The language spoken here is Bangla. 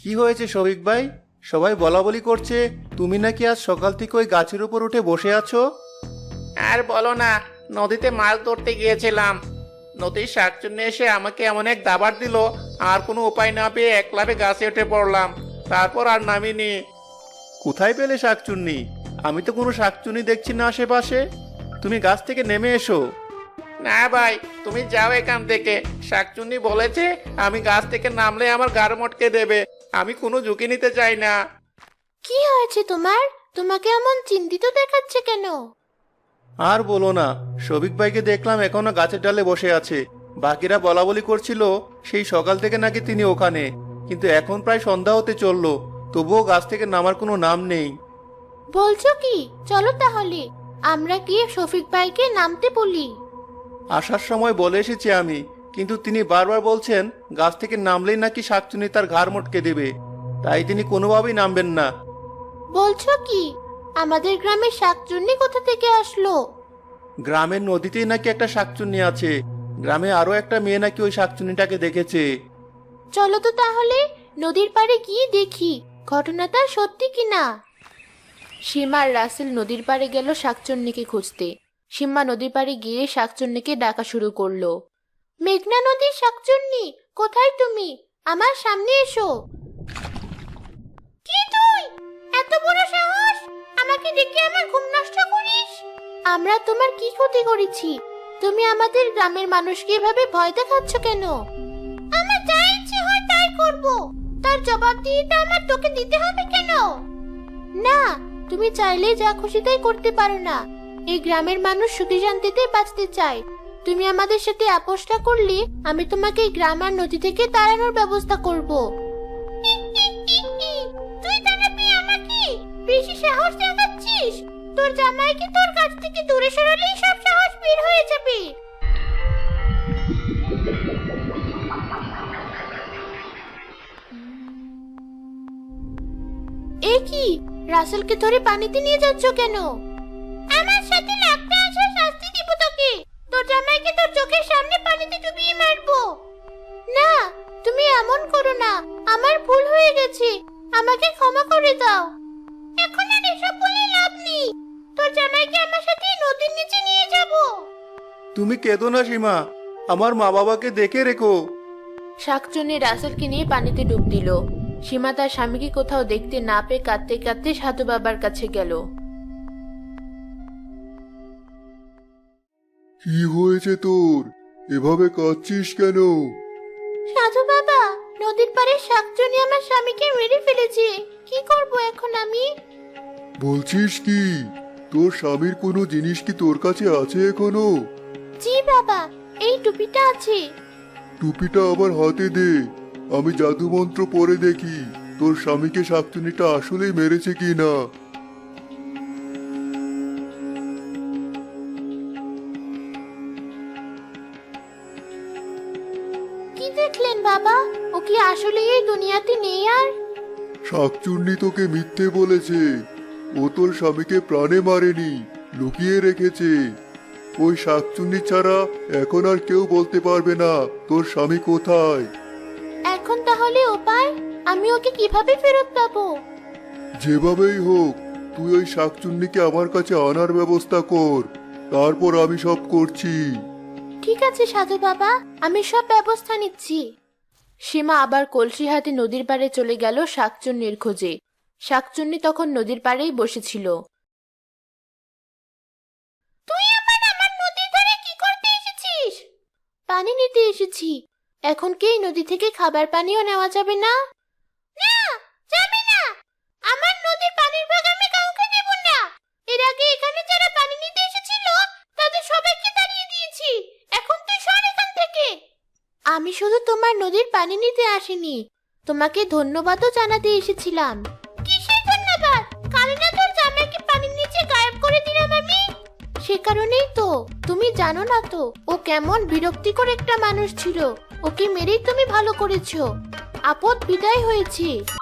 কি হয়েছে শফিক ভাই? সবাই বলাবলি করছে তুমি নাকি আজ সকাল থেকে ওই গাছের উপর উঠে বসে আছো। আর বলো না, নদীতে মাছ ধরতে গিয়েছিলাম। নদীর শাকচুন্নি এসে আমাকে এমন এক দাবার দিল, আর কোনো উপায় না পেয়ে একলাভে গাছে উঠে পড়লাম। তারপর আর নামিনি। কোথায় পেলে শাকচুন্নি? আমি তো কোনো শাকচুন্নি দেখছি না আশেপাশে। তুমি গাছ থেকে নেমে এসো। না ভাই, তুমি যাও এখান থেকে। শাকচুন্নি বলেছে আমি গাছ থেকে নামলে আমার গাড় মটকে দেবে। আমি কোনো ঝুঁকি নিতে চাই না। কি হয়েছে তোমার? তোমাকে এমন চিন্তিত দেখাচ্ছে কেন? আর বলো না, শফিক ভাইকে দেখলাম এখনো গাছের ডালে বসে আছে। বাকিরা বলাবলি করছিল সেই সকাল থেকে নাকি তিনি ওখানে, কিন্তু এখন প্রায় সন্ধ্যা হতে চললো, তবুও গাছ থেকে নামার কোনো নাম নেই। বলছো কি? চলো তাহলে আমরা গিয়ে শফিক ভাইকে নামতে বলি। আসার সময় বলে এসেছি আমি, কিন্তু তিনি বারবার বলছেন গাছ থেকে নামলেই নাকি শাকচুন্নি তার ঘাড় মটকে দেবে, তাই তিনি কোনোভাবেই নামবেন না। বলছো কি? আমাদের গ্রামে শাকচুন্নি কোথা থেকে আসলো? গ্রামের নদীতেই নাকি একটা শাকচুন্নি আছে। গ্রামে আরো একটা মেয়ে নাকি ওই শাকচুন্নিটাকে দেখেছে। চলো তো তাহলে নদীর পাড়ে গিয়ে দেখি ঘটনাটা সত্যি কিনা। সীমা আর রাসেল নদীর পাড়ে গেল শাকচুন্নিকে খুঁজতে। সীমা নদীর পাড়ে গিয়ে শাকচুন্নিকে ডাকা শুরু করলো। মেঘনা নদীর শাকচুন্নি, কোথায় তুমি? আমার সামনে এসো। কি তুই? এত বড় সাহস! আমাকে ডেকে আমার ঘুম নষ্ট করিস? আমরা তোমার কি ক্ষতি করেছি? তুমি আমাদের গ্রামের মানুষকে এভাবে ভয় দেখাচ্ছ কেন? আমার যা ইচ্ছে হয় তাই করব। তার জবাবদিহিতা আমার তোকে দিতে হবে কেন? না, তুমি চাইলে যা খুশি তাই করতে পারো না। এই গ্রামের মানুষ সুখে শান্তিতে বাঁচতে চায়। তুমি আমাদের সাথে আপোষটা করলে আমি তোমাকে এই গ্রাম আর নদী থেকে তাড়ানোর ব্যবস্থা করব। তুই তাড়াবি আমাকে? বেশি সাহস দেখাচ্ছিস? তোর জামাইকে তোর কাছ থেকে দূরে সরালেই সব সাহস বের হয়ে যাবে। এ কি? রাসেলকে ধরে পানিতে নিয়ে যাচ্ছ কেন? আমার সাথে লাগতে আসা শাস্তি দিব তোকে। তোর জামাইকে তোর চোখের সামনে পানিতে ডুবিয়ে মারবো। না, তুমি এমন করো না। আমার ভুল হয়ে গেছে। আমাকে ক্ষমা করে দাও। এখন আর এসব বলে লাভ নেই। তোর জামাইকে আমার সাথে নদীর নিচে নিয়ে যাব। তুমি কেঁদো না সীমা, আমার মা বাবাকে দেখে রেখো। শাকচুন্নি রাসেলকে নিয়ে পানিতে ডুব দিল। সীমা তার স্বামীকে কোথাও দেখতে না পেয়ে কাঁদতে কাঁদতে সাধু বাবার কাছে গেল। কি হয়েছে তোর? এভাবে কাঁদছিস কেন? সাধু বাবা, নদীর পাড়ে শাকচুন্নি আমার স্বামীকে মেরে ফেলেছে। কি করব এখন আমি? বলছিস কি? তোর স্বামীর কোনো জিনিস কি তোর কাছে আছে এখনো? জি বাবা, এই টুপিটা আছে। টুপিটা আমার হাতে দে, আমি জাদু মন্ত্র পড়ে দেখি তোর স্বামীকে শাকচুন্নিটা আসলেই মেরেছে কিনা। কি দেখলেন বাবা? ও কি আসলে এই দুনিয়াতে নেই আর? শাকচুন্নি তোকে মিথ্যে বলেছে। ও তোর স্বামীকে প্রাণে মারেনি, লুকিয়ে রেখেছে। ওই শাকচুন্নি ছাড়া এখন আর কেউ বলতে পারবে না তোর স্বামী কোথায়। এখন তাহলে উপায়? আমি ওকে কিভাবে ফেরত পাবো? যেভাবেই হোক তুই ওই শাকচুন্নিকে আমার কাছে আনার ব্যবস্থা কর, তারপর আমি সব করছি। ঠিক আছে সাধু বাবা, আমি সব ব্যবস্থা নিচ্ছি। সীমা আবার কলসি হাতে নদীর পাড়ে চলে গেল শাকচুন্নির খোঁজে। শাকচুন্নি তখন নদীর পাড়েই বসেছিল। তুই আমার নদীর ধারে কি করতে এসেছিস? পানি নিতে এসেছি। এখন কি এই নদী থেকে খাবার পানিও নেওয়া যাবে না? না, যাবে না। আমার নদীর পানির ভাগ আমি কাউকে দেব না। এর আগে এখানে যারা পানি নিতে এসেছিল তাদের সবাইকে তাড়িয়ে দিয়েছি। এখন তুই সর এখান থেকে। আমি শুধু তোমার নদীর পানি নিতে আসিনি, তোমাকে ধন্যবাদও জানাতে এসেছিলাম। কিসের ধন্যবাদ? কাল না তোর জামাইকে পানির নিচে গায়েব করে দিলাম আমি। সে কারণেই তো। তুমি জানো না তো ও কেমন বিরক্তিকর একটা মানুষ ছিল। ওকে মেরেই তুমি ভালো করেছো। আপদ বিদায় হয়েছে।